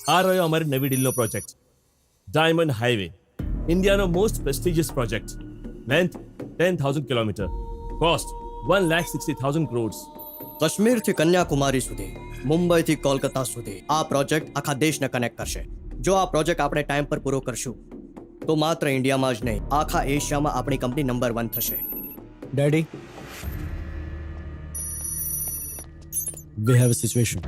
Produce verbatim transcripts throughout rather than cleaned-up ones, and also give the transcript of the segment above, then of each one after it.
આ રહ્યો અમારી નવી ડીલનો પ્રોજેક્ટ, ડાયમંડ હાઈવે, ઇન્ડિયાનો most prestigious project. Length ten thousand kilometre, cost one lakh sixty thousand crores. કાશ્મીરથી કન્યાકુમારી સુધી, મુંબઈથી કોલકાતા સુધી આ પ્રોજેક્ટ આખા દેશને કનેક્ટ કરશે. જો આ પ્રોજેક્ટ આપણે ટાઈમ પર પૂરો કરશું તો માત્ર ઇન્ડિયામાં જ નહીં, આખા એશિયામાં આપણી કંપની નંબર વન થશે. Daddy, we have a situation.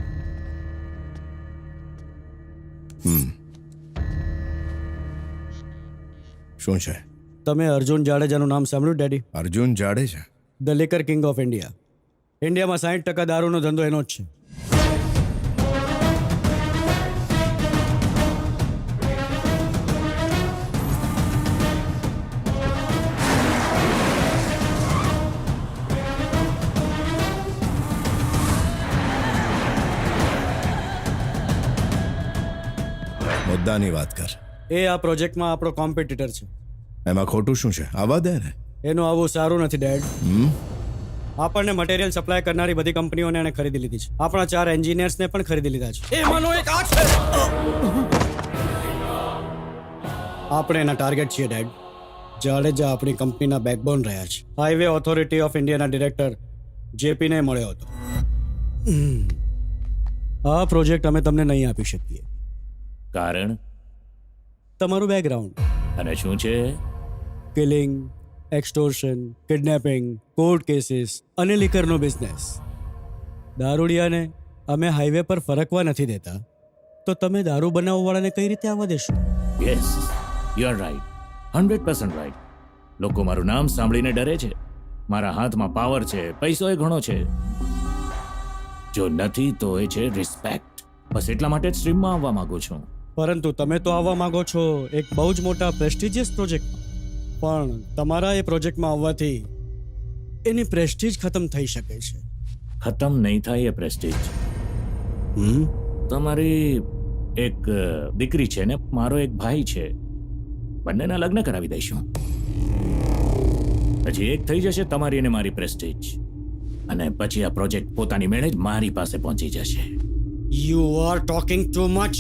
શું છે? તમે અર્જુન જાડેજાનું નામ સાંભળ્યું daddy? Arjun Jadeja? The liquor king of India. ઇન્ડિયામાં સાઠ ટકા દારૂનો ધંધો એનો જ છે. મુદ્દાની વાત કર. એ આ પ્રોજેક્ટમાં આપણો કોમ્પિટિટર છે. એમાં ખોટું શું છે? આવા દે ને. એનું આવું સારું નથી ડેડ. હમ આપણને મટીરિયલ સપ્લાય કરનારી બધી કંપનીઓને એને ખરીદી લીધી છે. આપણા ચાર એન્જિનિયર્સને પણ ખરીદી લીધા છે. એમાંનો એક આ છે. આપણે એના ટાર્ગેટ છીએ ડેડ. જાડેજા આપણી કંપનીના બેકબોન રહ્યા છે. હાઈવે ઓથોરિટી ઓફ ઇન્ડિયાના ડિરેક્ટર જેપીને મળ્યો હતો. આ પ્રોજેક્ટ અમે તમને નહીં આપી શકીએ. કારણ? તમારું બેકગ્રાઉન્ડ. અને શું છે? Killing, extortion, kidnapping, court cases અને લિકરનો બિઝનેસ. દારૂડિયાને અમે હાઈવે પર ફરકવા નથી દેતા, તો તમે દારૂ બનાવવાવાળાને કઈ રીતે આવવા દેશો? Yes, you are right, hundred percent right. લોકો મારું નામ સાંભળીને ડરે છે. મારા હાથમાં પાવર છે, પૈસો એ ઘણો છે. જો નથી તો એ છે રિસ્પેક્ટ. બસ એટલા માટે જ સ્ટ્રીમમાં આવવા માંગુ છું. પરંતુ તમે તો આવવા માંગો છો એક બહુ જ મોટા પ્રેસ્ટિજિયસ પ્રોજેક્ટમાં. પણ તમારા એ પ્રોજેક્ટમાં આવવાથી એની પ્રેસ્ટીજ ખતમ થઈ શકે છે. ખતમ નહીં થાય એ પ્રેસ્ટીજ. હમ તમારી એક અ, દીકરી છે ને મારો એક ભાઈ છે, બંનેના લગ્ન કરાવી દઈશું. પછી એક થઈ જશે તમારી અને મારી પ્રેસ્ટીજ, અને પછી આ પ્રોજેક્ટ પોતાની મેળે જ મારી પાસે પહોંચી જશે. You are talking too much.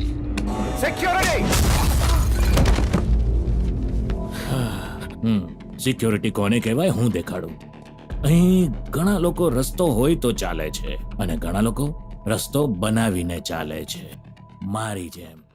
હમ સિક્યોરિટી કોને કહેવાય હું દેખાડું. અહીં ઘણા લોકો રસ્તો હોય તો ચાલે છે, અને ઘણા લોકો રસ્તો બનાવીને ચાલે છે, મારી જેમ.